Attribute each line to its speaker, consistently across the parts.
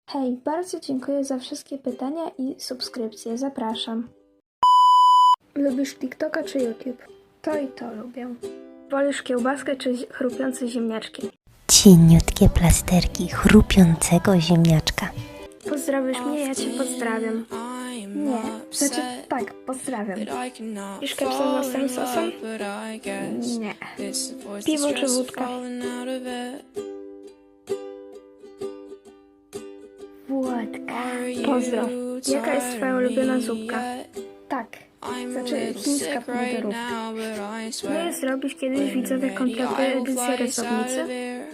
Speaker 1: Hej, bardzo dziękuję za wszystkie pytania i subskrypcje. Zapraszam. Lubisz TikToka czy YouTube? To i to lubię. Wolisz kiełbaskę czy chrupiące ziemniaczki?
Speaker 2: Cieniutkie plasterki chrupiącego ziemniaczka.
Speaker 1: Pozdrawisz mnie, ja cię pozdrawiam. Nie, znaczy tak, pozdrawiam. Pisz kepsa z własnym sosem? Nie. Piwo czy wódka? Wódka. Pozdro. Jaka jest twoja ulubiona zupka? Tak. Znaczy chińska pomidorówka. Nie zrobisz kiedyś widzowie kompletną edycję rysownicy?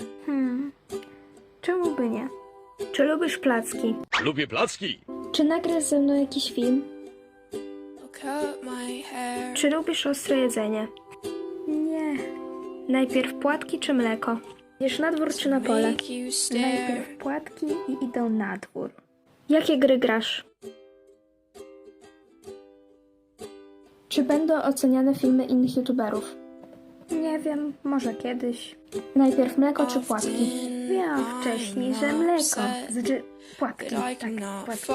Speaker 1: Czemu by nie? Czy lubisz placki?
Speaker 3: Lubię placki.
Speaker 1: Czy nagrasz ze mną jakiś film? Czy lubisz ostre jedzenie? Nie. Najpierw płatki czy mleko? Idziesz na dwór czy na pole? Najpierw płatki i idą na dwór. Jakie gry grasz? Czy będą oceniane filmy innych youtuberów? Nie wiem, może kiedyś. Najpierw mleko czy płatki? Wiem wcześniej, że mleko. Znaczy płatki, tak, płatki.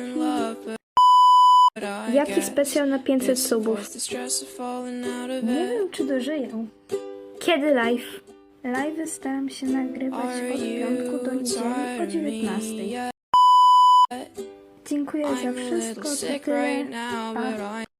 Speaker 1: Jaki specjal na 500 subów? Nie wiem, czy dożyję. Kiedy live? Live'y staram się nagrywać od piątku do niedzieli o 19. Dziękuję za wszystko, to tyle. Pa.